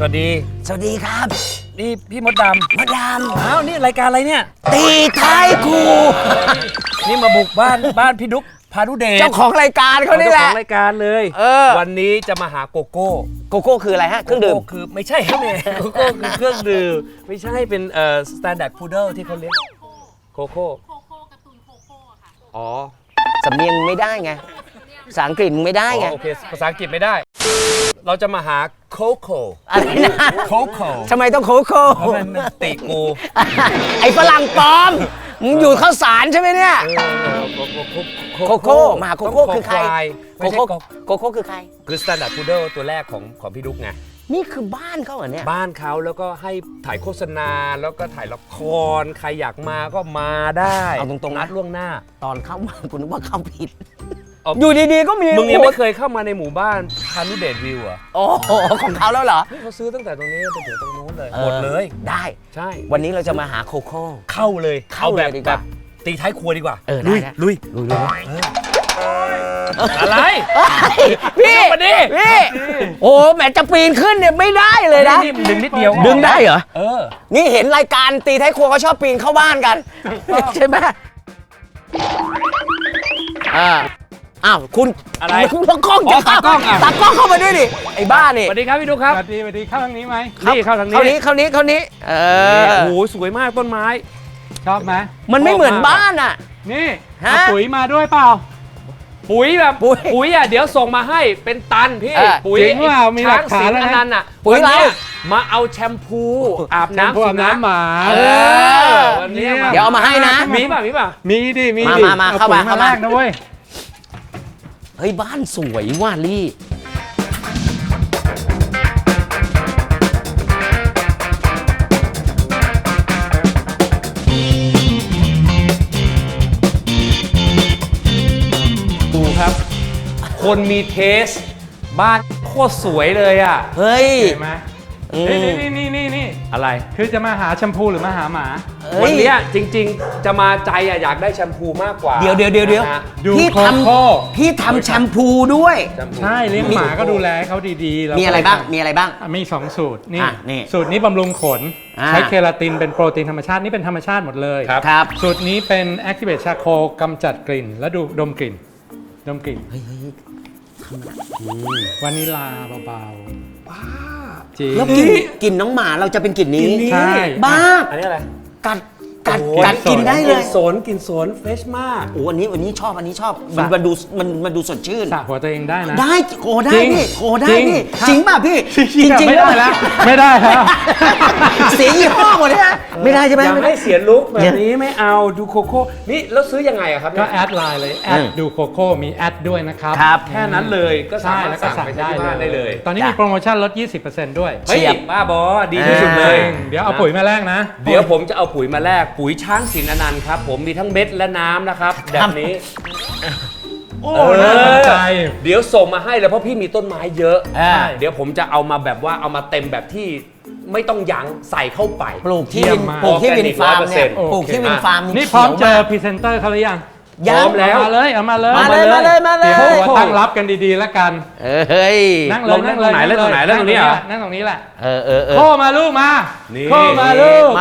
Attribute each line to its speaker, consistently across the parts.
Speaker 1: วัสดี
Speaker 2: ครับ
Speaker 1: นี่พี่มดดำอ้าวนี่รายการอะไรเนี่ย
Speaker 2: ตีท้ายครู
Speaker 1: นี่มาบุกบ้านพี่ดุ๊กพานุเดช
Speaker 2: เจ้าของรายการเขานี่แหละ
Speaker 1: เจ้าของรายการเลยวันนี้จะมาหาโกโก้
Speaker 2: คืออะไรฮะเครื่องดื่ม
Speaker 1: คือไม่ใช่ครับเนี่ยโกโก้คือเครื่องดื่มไม่ใช่เป็นstandard poodle ที่เขาเลี้ยงโกโก้
Speaker 3: การ์ตูนโคโค่ค่ะ
Speaker 1: อ๋อ
Speaker 2: สำเนียงไม่ได้ไงภาษาอังกฤษไม่ได้ไง
Speaker 1: โอเคภาษาอังกฤษไม่ได้เราจะมาหาโคโค่
Speaker 2: อะไรนะ
Speaker 1: โคโค่
Speaker 2: ทำไมต้องโคโค่
Speaker 1: เพราะมันติกู
Speaker 2: ไอ้ฝรั่งปลอมมึงอยู่ข้าวสารใช่ไหมเนี่ยโคโค่มาโคโค่คือใครโคโค่คือใคร
Speaker 1: คือ standard poodle ตัวแรกของพี่ดุ๊กไง
Speaker 2: นี่คือบ้านเขาเหรอเนี่ย
Speaker 1: บ้านเขาแล้วก็ให้ถ่ายโฆษณาแล้วก็ถ่ายละครใครอยากมาก็มาได้
Speaker 2: เอาตรงๆ
Speaker 1: นัดล่วงหน้า
Speaker 2: ตอนเข้ามาคุณนึกว่าเข้าผิดอยู่ดีๆก็มี
Speaker 1: มึงยังไม่เคยเข้ามาในหมู่บ้านพานุเดชวิวอ่ะ
Speaker 2: โอ้โหของเขาแล้วเหรอ
Speaker 1: เขาซื้อตั้งแต่ตรงนี้ไปถึงตรงนู้นเลยหมดเลย
Speaker 2: ได้
Speaker 1: ใช่
Speaker 2: วันนี้เราจะมาหาโคโค่
Speaker 1: เข้าเลยเอาแบบตีท้ายครัวดีกว่าลุยอะไร
Speaker 2: พี่โอ้แหมจะปีนขึ้นเนี่ยไม่ได้เลยนะ
Speaker 1: ดึงนิดเดียว
Speaker 2: ดึงได้เหรอนี่เห็นรายการตีท้ายครัวเขาชอบปีนเข้าบ้านกันใช่ไหมอ้าวคุณ
Speaker 1: อะไร
Speaker 2: ตากล้องจะตากล้องเข้ามาด้วยดิไอ้บ้านี่
Speaker 1: สวัสดีครับพี่ดุ๊กครับ
Speaker 4: สวัสดีเข้าทางนี้ไหม
Speaker 1: นี่เข้าทางนี้
Speaker 2: เข้านี้
Speaker 1: โอ้โหสวยมากต้นไม้
Speaker 4: ชอบไหม
Speaker 2: มันไม่เหมือนบ้านอ่ะ
Speaker 4: นี่ปุ๋ยมาด้วยเปล่า
Speaker 1: ปุ๋ยแบบปุ๋ยอ่ะเดี๋ยวส่งมาให้เป็นตันพี่ปุ๋ย
Speaker 4: จริงว่ามีหลักฐานแล้ว
Speaker 1: นะปุ๋ยอะไรมาเอาแชมพูอาบน้
Speaker 4: ำหมา
Speaker 1: วันนี้
Speaker 2: เดี๋ยวเอามาให้นะ
Speaker 1: มีป่ะ
Speaker 4: มีดิ
Speaker 2: มาเข้ามา
Speaker 4: แรกนะเว้ย
Speaker 2: เฮ้ยบ้านสวยว่ะลี่
Speaker 1: ดูครับคนมีเทสบ้านโคตรสวยเลยอ่ะ
Speaker 2: เฮ้ย
Speaker 4: เห็นไหมนี่
Speaker 1: อะไร
Speaker 4: คือจะมาหาแชมพูหรือมาหาหมา
Speaker 1: วันนี้จริงๆจะมาใจอยากได้แชมพูมากกว่า
Speaker 2: เดี๋ยวพี่ทำแชมพูด้วย
Speaker 4: ใช่เลี้ยงหมาก็ดูแลเขาดีๆ
Speaker 2: มีอะไรบ้าง
Speaker 4: มี2สูตรนี่สูตรนี้บำรุงขนใช้เคราตินเป็นโปรตีนธรรมชาตินี่เป็นธรรมชาติหมดเลย
Speaker 2: ครับ
Speaker 4: สูตรนี้เป็น Activate Charcoal กำจัดกลิ่นและดมกลิ่นวานิลาเบาๆ
Speaker 2: แล้วกลิ่นน้องหมาเราจะเป็นกลิ่นนี้
Speaker 4: ใช่
Speaker 2: บ้า
Speaker 1: อันนี้อะไร
Speaker 2: กัดกินได้เลย
Speaker 1: กลิ่นสนเฟรชมาก
Speaker 2: โอ้อันนี้ชอบมันดูสดชื่น
Speaker 4: สระหัวตัวเองได้นะ
Speaker 2: ได้ได้พี่จริงป่ะพี่จริง
Speaker 4: ไม่ได้แล้ว
Speaker 2: เสียยี่ห้อหมดเลยไม่ได้ใช่ไหม
Speaker 1: ไม่เสียลุคแบบนี้ไม่เอาดูโคโค่นี่แล้วซื้อยังไงอะครับ
Speaker 4: ก็แอดไลน์เลยแอดดูโคโค่มีแอดด้วยนะครับ
Speaker 1: แค่นั้นเลยก็สามารถสั่งไปได้เลย
Speaker 4: ตอนนี้มีโปรโมชั่นลด 20% ด้วย
Speaker 1: เฮ้ยบ้าบอดีที่สุดเลย
Speaker 4: เดี๋ยวเอาปุ๋ยมาแลกนะ
Speaker 1: เดี๋ยวผมจะเอาปุ๋ยมาแลกปุ๋ยช้างศิลป์อนันต์ครับผมมีทั้งเม็ดและน้ำนะครับแบบนี้
Speaker 4: โอ้น่าสนใจ
Speaker 1: เดี๋ยวส่งมาให้เลยเพราะพี่มีต้นไม้เยอะเดี๋ยวผมจะเอามาแบบว่าเอามาเต็มแบบที่ไม่ต้องยั้งใส่เข้าไป
Speaker 2: ปลูกที่วินฟาร์มเนี่ยปลูกที่วินฟาร์ม
Speaker 4: นี่พร้อมเจอพรีเซนเตอร์เขาหรือยัง
Speaker 1: พร้อมแล้ว
Speaker 4: มาเลยเอามาเลยตั้งรับกันดีๆแล้วกันนั่งเลยนั่งตรงไหนนั่งตรงนี้เหรอนั่งตรงนี้แหละโค้มาลูกมาโค้มาลูก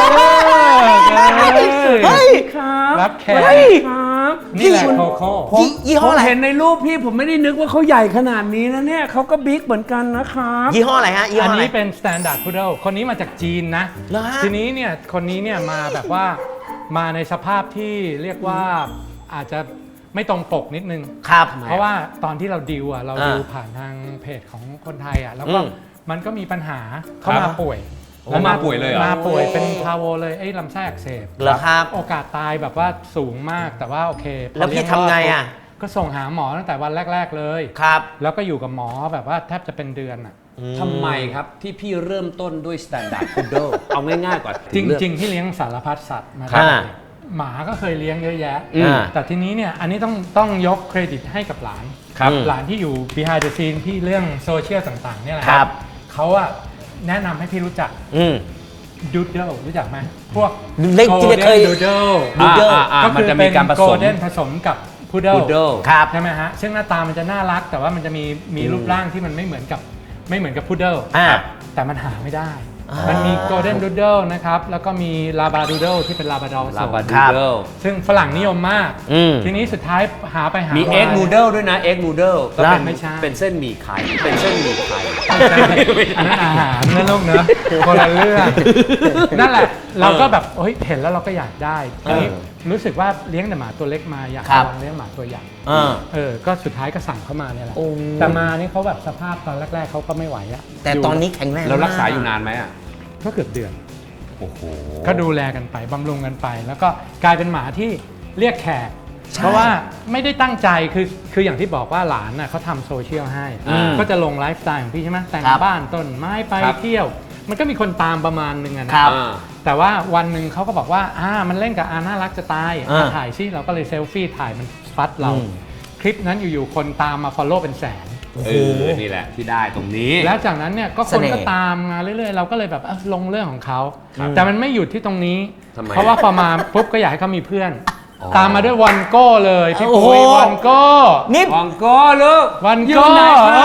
Speaker 4: รับแขกนี่แหละโคโค่
Speaker 2: ยี่ห้ออะไร
Speaker 1: เห็นในรูปพี่ผมไม่ได้นึกว่าเขาใหญ่ขนาดนี้นะเนี่ยเขาก็บิ๊กเหมือนกันนะครับ
Speaker 2: ยี่ห้ออะไรฮะ
Speaker 4: อันนี้เป็น Standard Poodle คนนี้มาจากจีนนะทีนี้เนี่ยคนนี้เนี่ยมาแบบว่ามาในสภาพที่เรียกว่าอาจจะไม่ตรงปกนิดนึง
Speaker 2: ครับ
Speaker 4: เพราะว่าตอนที่เราดิวเราดิวผ่านทางเพจของคนไทยแล้วก็มันก็มีปัญหาเขามาป่วย
Speaker 1: แล้วมาป่วยเลย
Speaker 4: มาป่วยเป็นพาโวเลยไอ้ลำไส้อักเสบ
Speaker 2: เหรอครับ
Speaker 4: โอกาสตายแบบว่าสูงมากแต่ว่าโอเค
Speaker 2: แล้วพี่ทำไง
Speaker 4: ก็ส่งหาหมอตั้งแต่วันแรกๆเลย
Speaker 2: ครับ
Speaker 4: แล้วก็อยู่กับหมอแบบว่าแทบจะเป็นเดือน
Speaker 1: ทำไมครับที่พี่เริ่มต้นด้วย Standard Poodle เอาง่ายๆก่อน
Speaker 4: จริงๆที่เลี้ยงสารพัดสัตว์มาหมาก็เคยเลี้ยงเยอะแยะแต่ทีนี้เนี่ยอันนี้ต้องยกเครดิตให้กับหลานหลานที่อยู่ behind the scene ที่เรื่องโซเชียลต่างๆเนี่ยแหละเขาแนะนำให้พี่รู้จักดูเดิลรู้จักไหมพวก
Speaker 2: เล็กที่เคย
Speaker 4: ดูเดิล
Speaker 1: ก็คือเป็น
Speaker 4: โกลเด้นผสมกับพุดเดิล
Speaker 1: ครับ
Speaker 4: ใช่ไหมฮะซึ่งหน้าตามันจะน่ารักแต่ว่ามันจะมีรูปร่างที่มันไม่เหมือนกับไม่เหมือนกับพุดเดิล
Speaker 2: อ่า
Speaker 4: แต่มันหาไม่ได้ มันมีโกลเด้นดูเดิลนะครับ แล้วก็มีลาบราดูเดิลที่เป็นลาบราดอร์ผส
Speaker 1: ลาม บาดู
Speaker 2: ครับ
Speaker 1: เดิล
Speaker 4: ซึ่งฝรั่งนิยมมาก ทีนี้สุดท้ายหาไปหา
Speaker 1: มี
Speaker 4: มา
Speaker 1: เอ็กนูเดิลด้วยนะเอ็กนูเดิลก็เป็น
Speaker 4: ไม่ใช่
Speaker 1: เป็นเส้นหมี่ไข่เป็นเส้นหมี่ไข่
Speaker 4: ไม่ใช่อันนั้นอาหารนะลูกเนอะคนละเรื่องนั่นแหละเราก็แบบเฮ้ยเห็นแล้วเราก็อยากได้ทีนี้รู้สึกว่าเลี้ยงแต่หมาตัวเล็กมาอยาก
Speaker 2: ครับ
Speaker 4: ลองเลี้ยงหมาตัวใหญ่ ก็สุดท้ายก็สั่งเข้ามาเนี่ยแหละ
Speaker 2: โอ้
Speaker 4: แต่มานี่เขาแบบสภาพตอนแรกๆเขาก็ไม่ไหวอะ
Speaker 2: แต่ตอนนี้แข็งแรง
Speaker 1: แล้วรักษา
Speaker 2: ม
Speaker 1: อยู่นานไหมอ่ะ
Speaker 4: ก็เกือบเดือน
Speaker 1: โอ้โห
Speaker 4: ก็ดูแลกันไปบำรุงกันไป แล้วก็กลายเป็นหมาที่เรียกแขก
Speaker 2: ใช่
Speaker 4: เพราะว่าไม่ได้ตั้งใจคืออย่างที่บอกว่าหลานน่ะเขาทำโซเชียลให้ ก็จะลงไลฟ์สไตล์ของพี่ใช่ไหมแต่ง
Speaker 2: ครับ
Speaker 4: บ้านต้นไม้ไป
Speaker 1: ครับ
Speaker 4: เที่ยว มันก็มีคนตามประมาณนึงอะนะครับ แต่ว่าวันหนึ่งเขาก็บอกว่ามันเล่นกับน่ารักจะตายถ่ายซิเราก็เลยเซลฟี่ถ่ายมันฟัดเรา คลิปนั้นอยู่ๆคนตามมาฟอลโล่เป็นแสน
Speaker 1: นี่แหละที่ได้ตรงนี้
Speaker 4: แล้วจากนั้นเนี่ยก็ค
Speaker 2: เส
Speaker 4: น
Speaker 2: น่ห์
Speaker 4: ก็ตามมาเรื่อยๆ เราก็เลยแบบลงเรื่องของเขา แต่มันไม่หยุดที่ตรงนี้
Speaker 1: ทำไม
Speaker 4: เพราะว่าพอมาปุ๊บก็อยากให้เขามีเพื่อน ตามมาด้วยวันโก้เลยพี่
Speaker 2: โอ้โห
Speaker 4: ปุ้ยวันโก้
Speaker 2: นี่
Speaker 1: วังโก้ลูก
Speaker 4: วัน
Speaker 1: อยู่
Speaker 4: โก้
Speaker 1: ไหนครับ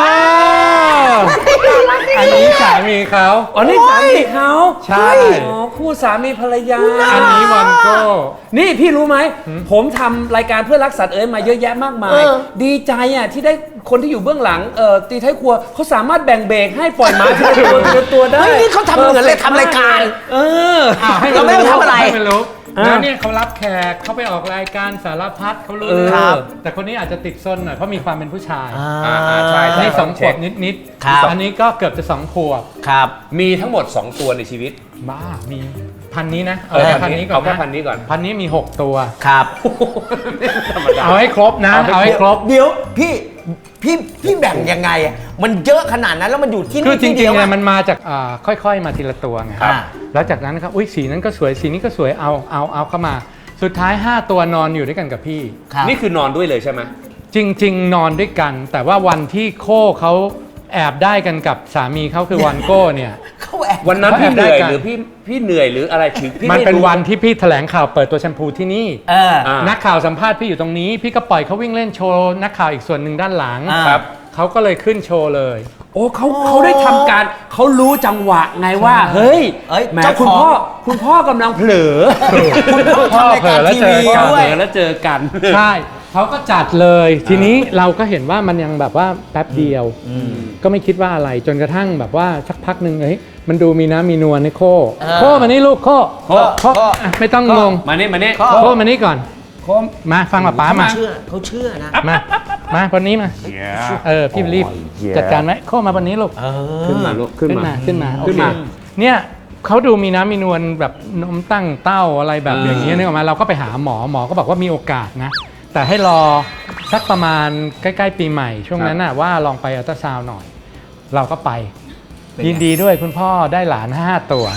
Speaker 4: อันนี้สามีเขา
Speaker 1: อ๋อนี่สามีเขา
Speaker 4: ใช่
Speaker 1: อ๋อคู่สามีภรรยา
Speaker 4: อันนี้วันโก้
Speaker 1: นี่พี่รู้ไหม ผมทำรายการเพื่อรักสัตว์เอ๋ยมาเยอะแยะมากมาย ดีใจอ่ะที่ได้คนที่อยู่เบื้องหลังตีท้ายครัวเขาสามารถแบ่งเบรกให้ปล่อยหมาทีละตัวทีละตัวได้
Speaker 2: เฮ้ยนี่เขาทำเหมือนเลยทำรายการ
Speaker 4: ให้
Speaker 2: เราไม่ได้ทำอะไร
Speaker 4: ให้มันรู้แล้วเนี่ยเขารับแขกเขาไปออกรายการสารพัดเขารู้เรื่อง
Speaker 2: ครับ
Speaker 4: แต่คนนี้อาจจะติดซนหน่อยเพราะมีความเป็นผู้ชาย
Speaker 1: ใช่
Speaker 4: อันนี้สองขวบนิด
Speaker 2: ครับ
Speaker 4: อันนี้ก็เกือบจะ2 ขวบ
Speaker 2: ครับ
Speaker 1: มีทั้งหมด 2 ตัวในชีวิต
Speaker 4: บ้ามีพันนี้นะเอาแค่พันนี้ก่อน
Speaker 1: เอาแค่
Speaker 4: นะ
Speaker 1: พันนี้ก่อน
Speaker 4: พันนี้มี 6 ตัว
Speaker 2: ครับ
Speaker 1: ธรรมดา
Speaker 4: เอาให้ครบนะเอาให้ครบ
Speaker 2: เดี๋ยวพี่แบ่งยังไงอะมันเยอะขนาดนั้นแล้วมันอยู่ที่
Speaker 4: คือ
Speaker 2: นี่
Speaker 4: จริ
Speaker 2: ที่
Speaker 4: ง
Speaker 2: เดียว
Speaker 4: ๆเนี่ย
Speaker 2: อะ
Speaker 4: มันมาจากค่อยๆมาทีละตัวไง
Speaker 2: ครับ
Speaker 4: แล้วจากนั้นครับอุ้ยสีนั้นก็สวยสีนี้ก็สวยเอาเข้ามา สุดท้าย 5 ตัวนอนอยู่ด้วยกันกับพี่
Speaker 2: ครับ
Speaker 1: นี่คือนอนด้วยเลยใช่ไหม
Speaker 4: จริง ๆ นอนด้วยกัน แต่ว่าวันที่โค้เขาแอบได้กันกับสามีเขาคือวันโก้เนี่ย
Speaker 2: เขาแอบ
Speaker 1: วันนั้น
Speaker 4: เขาแอบ
Speaker 1: พี่เหนื่อย
Speaker 4: ได้กัน
Speaker 1: หรือพี่เหนื่อยหรืออะไรถึงพี่
Speaker 4: มัน
Speaker 1: ไรู้
Speaker 4: เป็นวันที่พี่แถลงข่าวเปิดตัวแชมพูที่นี่
Speaker 2: อ่า
Speaker 4: นักข่าวสัมภาษณ์พี่อยู่ตรงนี้ พี่ก็ปล่อยเขาวิ่งเล่นโชว์นักข่าวอีกส่วนหนึ่งด้านหลัง
Speaker 2: ครับ
Speaker 4: เขาก็เลยขึ้นโชว์เลย
Speaker 1: โอ้เขาได้ทำการเขารู้จังหวะไงว่า เฮ้ย
Speaker 2: เอ้ย
Speaker 1: แหม
Speaker 2: เจ้าของ
Speaker 1: คุณพ่อกำลังเผลอ
Speaker 2: คุณต้องทำรายการทีวี
Speaker 1: พ่อ
Speaker 2: ด้
Speaker 1: เผ
Speaker 2: ว
Speaker 1: ล
Speaker 2: ย
Speaker 1: อแล้วเจอกัน
Speaker 4: ใช่เขาก็จัดเลย ทีนี้เราก็เห็นว่ามันยังแบบว่าแป๊บเดียว ก็ไม่คิดว่าอะไรจนกระทั่งแบบว่าสักพักหนึ่งมันดูมีน้ำมีนวลในโค้มานี่ลูกโค้
Speaker 1: โค้
Speaker 4: อ่ะไม่ต้องงง
Speaker 1: มานี่มานี่
Speaker 4: โค้มานี่ก่อน
Speaker 1: โค้
Speaker 4: มาฟังป๊ามา
Speaker 2: เขาเชื่อนะ
Speaker 4: มาคนนี้มาพี่รีบจัดการไหมโค้มาวันนี้ลูก
Speaker 1: ขึ้นมาลูกขึ้นมา
Speaker 4: ขึ้นมา
Speaker 1: ขึ้นมา
Speaker 4: โอเคเนี่ยเขาดูมีน้ำมีนวลแบบนมตั้งเต้าอะไรแบบอย่างนี้ยนึกออกมาเราก็ไปหาหมอก็บอกว่ามีโอกาสนะ แต่ให้รอสักประมาณใกล้ๆปีใหม่ช่วงนั้นน่ะว่าลองไปอัลตราซาวน์หน่อย เราก็ไป ยินดีด้วยคุณพ่อได้หลาน 5 ตัว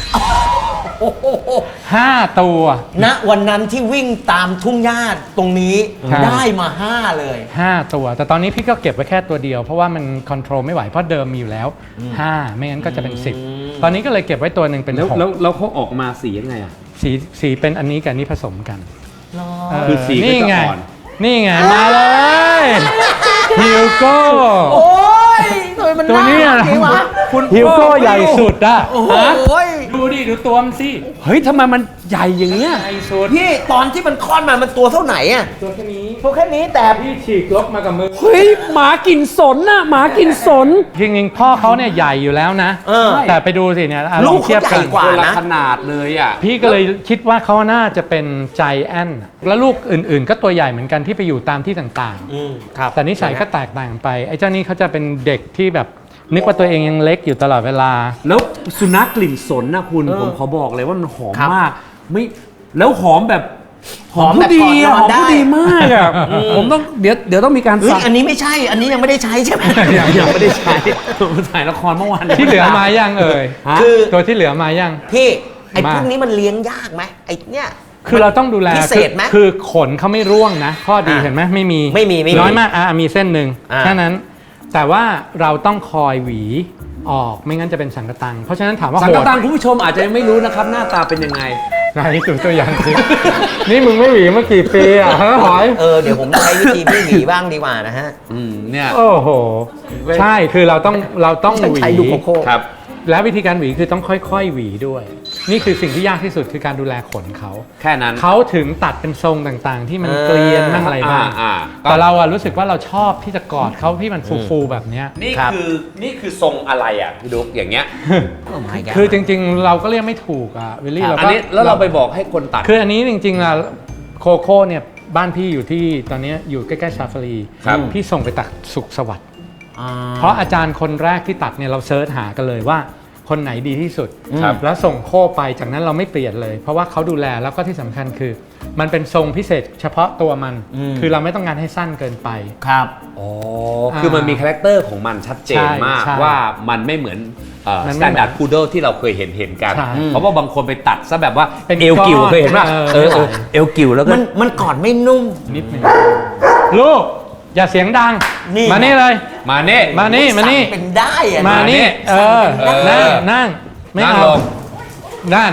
Speaker 4: 5 ตัว
Speaker 2: ณวันนั้นที่วิ่งตามทุ่งหญ้าตรงนี้
Speaker 4: ครับ
Speaker 2: ได้มา 5 เลย
Speaker 4: 5 ตัว แต่ตอนนี้พี่ก็เก็บไว้แค่ตัวเดียวเพราะว่ามันคอนโทรลไม่ไหวเพราะเดิมมีอยู่แล้ว 5 ไม่งั้นก็จะเป็น 10 ตอนนี้ก็เลยเก็บไว้ตัวหนึ่งเป็น
Speaker 1: แล้ว
Speaker 4: 6
Speaker 1: เขาออกมาสียังไงอ่ะ
Speaker 4: สีเป็นอันนี้กับอันนี้ผสมกันเ
Speaker 1: คือสีก็
Speaker 4: นี่
Speaker 1: จะ
Speaker 4: ไง
Speaker 1: อ่อน
Speaker 4: นี่ไงมาเลยฮิวโก้
Speaker 2: โอ้ยทำไมมัน
Speaker 4: ตัวเนี้ย
Speaker 2: น่ารักจริงวะ
Speaker 4: ฮิวโก้ใหญ่สุดอะ
Speaker 2: โอ้โห
Speaker 4: ดูดิดูตัวมันสิ
Speaker 1: เฮ้ยทำไมมันใหญ่อย่างเงี้ย
Speaker 4: ใหญ่สุด
Speaker 2: พี่ตอนที่มันคลอดมามันตัวเท่าไหนอะ
Speaker 4: ตัวแค่นี้
Speaker 2: ตัวแค่นี้แต่
Speaker 4: พี่ฉีกลบมากับมือ
Speaker 1: เฮ้ยหมากินสนน่ะหมากินสน
Speaker 4: จริงๆพ่อเขาเนี่ยใหญ่อยู่แล้วนะ แต่ไปดูสิเนี่ยล
Speaker 2: ลู
Speaker 4: อง
Speaker 2: ก
Speaker 4: เทียบ
Speaker 2: เขาให
Speaker 4: กั
Speaker 2: ญ่
Speaker 4: น
Speaker 2: กว่า
Speaker 1: คนละ
Speaker 2: นะ
Speaker 1: ขนาดเลยอ่ะ
Speaker 4: พี่ก็เลยคิดว่าเขาน่าจะเป็นใจแอนท์แล้วลูกอื่นๆ ก็ตัวใหญ่เหมือนกันที่ไปอยู่ตามที่ต่างๆแต่นิสัยก็แตกต่างไปไอ้เจ้านี่เขาจะเป็นเด็กที่แบบนึกว่าตัวเองยังเล็กอยู่ตลอดเวลา
Speaker 1: แล้วสุนัขกลิ่นสนนะคุณผมขอบอกเลยว่ามันหอมมากไม่แล้วหอมแบบผู้ดีอะหอมผู้ดีมากอะผมต้องเดี๋ยวต้องมีการ
Speaker 2: เฮ้ย
Speaker 1: สั่ง
Speaker 2: อันนี้ไม่ใช่ อันนี้ยังไม่ได้ใช้ใช่ไหม
Speaker 1: ยังไม่ได้ใช้ผมถ่ายละครเมื่อวาน
Speaker 4: ที่เหลือมายังเอ่ย
Speaker 1: ฮะ
Speaker 2: คือ
Speaker 4: ตัวที่เหลือมายัง
Speaker 2: พี่ไอ้
Speaker 4: มา
Speaker 2: พวกนี้มันเลี้ยงยากไหมไอ้เนี่ย
Speaker 4: คือเราต้องดูแล
Speaker 2: พิเศษไหม
Speaker 4: คือขนเขาไม่ร่วงนะ ข้อดีเห็นไหมไม่มี
Speaker 2: ไม่มี
Speaker 4: น้อยมากมีเส้นหนึ่ง
Speaker 2: อ่า
Speaker 4: แค่นั้น แต่ว่าเราต้องคอยหวีออกไม่งั้นจะเป็นสังกะตังเพราะฉะนั้นถามว่า
Speaker 1: สัง
Speaker 4: โห
Speaker 1: กะ
Speaker 4: ด
Speaker 1: ตังคุณผู้ชมอาจจะยังไม่รู้นะครับ หน้าตาเป็นยังไง
Speaker 4: ไหนดูตัวอย่างสิ นี่มึงไม่หวีมากี่ปีอ่ะฮะหอย
Speaker 2: เดี๋ยวผมใช้วิธีพี่หวีบ้างดีกว่านะฮะ
Speaker 1: เนี่ย
Speaker 4: โอ้โห ใช่คือเราต้องหวี
Speaker 2: ใช้ดูโคโค่
Speaker 1: ครับ
Speaker 4: และวิธีการหวีคือต้องค่อยๆหวีด้วย นี่คือสิ่งที่ยากที่สุดคือการดูแลขนเขา
Speaker 1: แค่นั้น
Speaker 4: เขาถึงตัดเป็นทรงต่างๆ ที่มันเกลียนบ้างอะไรบ้าง
Speaker 1: ก็
Speaker 4: แต่เราอะรู้สึกว่าเราชอบที่จะกอดเขาที่มันฟูๆแบบเนี้ย
Speaker 1: นี่คือทรงอะไรอ่ะพี่ดุ๊กอย่างเงี้ย
Speaker 4: คือจริงๆเราก็เรียกไม่ถูกอะวิลลี่เรา
Speaker 1: อัน
Speaker 4: ก็
Speaker 1: นี้แล้วเราไปบอกให้คนตัด
Speaker 4: คืออันนี้จริงๆอะโคโค่เนี่ยบ้านพี่อยู่ที่ตอนนี้อยู่ใกล้ๆชาฟารี
Speaker 1: ครับ
Speaker 4: พี่ส่งไปตัดสุขสวัสดิ์เพราะอาจารย์คนแรกที่ตัดเนี่ยเราเซิร์ชหากันเลยว่าคนไหนดีที่สุด
Speaker 1: ครับ
Speaker 4: แล้วส่งโค่ไปจากนั้นเราไม่เปลี่ยนเลย เพราะว่าเขาดูแลแล้วก็ที่สำคัญคือ มันเป็นทรงพิเศษเฉพาะตัวมัน คือเราไม่ต้องการให้สั้นเกินไป
Speaker 2: ครับ
Speaker 1: อ๋อ คือมันมีคาแรคเตอร์ของมันชัดเจนมาก
Speaker 4: ใช่
Speaker 1: ว่ามันไม่เหมือน
Speaker 4: มัน
Speaker 1: ส
Speaker 4: ไม่
Speaker 1: แตนดาร์ดพูดเดิลที่เราเคยเห็นกัน
Speaker 4: ใช่
Speaker 1: เพราะว่าบางคนไปตัดซะแบบว่า
Speaker 4: เป็น
Speaker 1: เอวกิ่ว
Speaker 4: ก้อน
Speaker 1: เคยเห็นป่ะ
Speaker 4: เออ
Speaker 1: เอวกิ่วแล้วก็
Speaker 2: มันกอดไม่นุ่ม
Speaker 4: นิดนึงลูกอย่าเสียงดัง
Speaker 2: นี่
Speaker 4: มานี่เลย
Speaker 1: มาเน่
Speaker 4: มานี่มานี่
Speaker 2: สั่งเป็นได้อะ
Speaker 4: มานี่
Speaker 1: เออ
Speaker 4: นั่งไม่
Speaker 1: นั่ง
Speaker 4: เอา
Speaker 1: ลง
Speaker 4: นั่น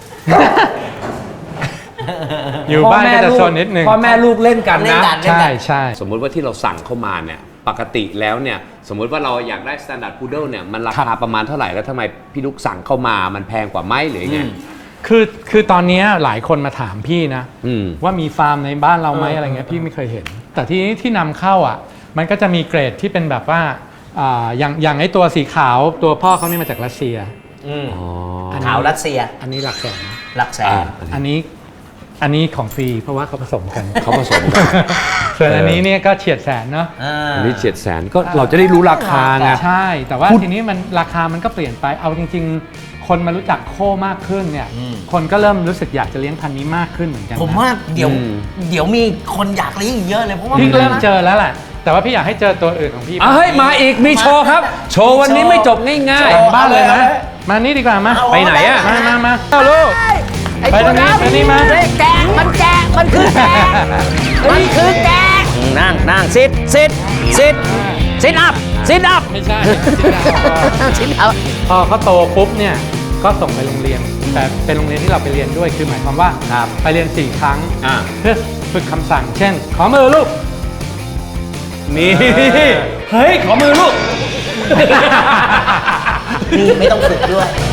Speaker 4: อยู่บ้านก็จะโซนนิดนึง
Speaker 1: พ่อแม่ลูกเล่นกัน
Speaker 2: เล่น
Speaker 1: นะ
Speaker 2: กัน
Speaker 4: ใช่ใช่
Speaker 1: สมมุติว่าที่เราสั่งเข้ามาเนี่ยปกติแล้วเนี่ยสมมุติว่าเราอยากได้ Standard Poodle เนี่ยมันราคาประมาณเท่าไหร่แล้วทำไมพี่ลูกสั่งเข้ามามันแพงกว่าไหมหรือยังไง
Speaker 4: คือตอนเนี้ยหลายคนมาถามพี่นะ
Speaker 1: อืม
Speaker 4: ว่ามีฟาร์มในบ้านเราไหมอะไรเงี้ยพี่ไม่เคยเห็น แต่ที่นี้ที่นำเข้าอ่ะ มันก็จะมีเกรดที่เป็นแบบว่าอย่างไอตัวสีขาวตัวพ่อเขานี่มาจากรัสเซีย อันนี้
Speaker 2: ขาวรัสเซีย
Speaker 4: อันนี้หลักแสน
Speaker 2: หลักแสน
Speaker 4: อันนี้ของฟรีเพราะว่าเขาผสมกัน
Speaker 1: เขาผสมกัน
Speaker 4: ส่วนอันนี้เนี่ยก็เฉียดแสนเนาะ
Speaker 1: อันนี้700,000ก็เราจะได้รู้ราคาไง
Speaker 4: ใช่ แต่ว่าทีนี้มันราคามันก็เปลี่ยนไปเอาจริง ๆ คนมารู้จักโคมากขึ้นเนี่ย คนก็เริ่มรู้สึกอยากจะเลี้ยงพันธุ์นี้มากขึ้นเหมือนกันนะ
Speaker 2: ผมว่าเดี๋ยวมีคนอยากเลี้ยงอีกเยอะเลยเพราะว่า
Speaker 4: พี่เริ่มเจอแล้วแหละแต่ว่าพี่อยากให้เจอตัวอื่นของพี่
Speaker 1: เฮ้ยมาอีกมีโชว์ครับ โชว์วันนี้ไม่จบง่าย
Speaker 4: หลังบ้านเลยนะมานี่ดีกว่ามา
Speaker 1: ไปไหนอะ
Speaker 4: มาเอาลูก ไปตรงนี้ไปนี่มา
Speaker 2: แกะมันคือแกะมันคือแกะนั่งซิดอัพ
Speaker 4: ไม่ใช่
Speaker 2: ซิดอัพ
Speaker 4: พอเขาโตปุ๊บเนี่ยก็ส่งไปโรงเรียน แต่เป็นโรงเรียนที่เราไปเรียนด้วยคือหมายความว่าไปเรียน4 ครั้ง เพื่อฝึกคำสั่ง เช่น ขอมือลูก
Speaker 1: นี่เฮ้ยขอมือลูก
Speaker 2: นี่ไม่ต้องฝึกด้วย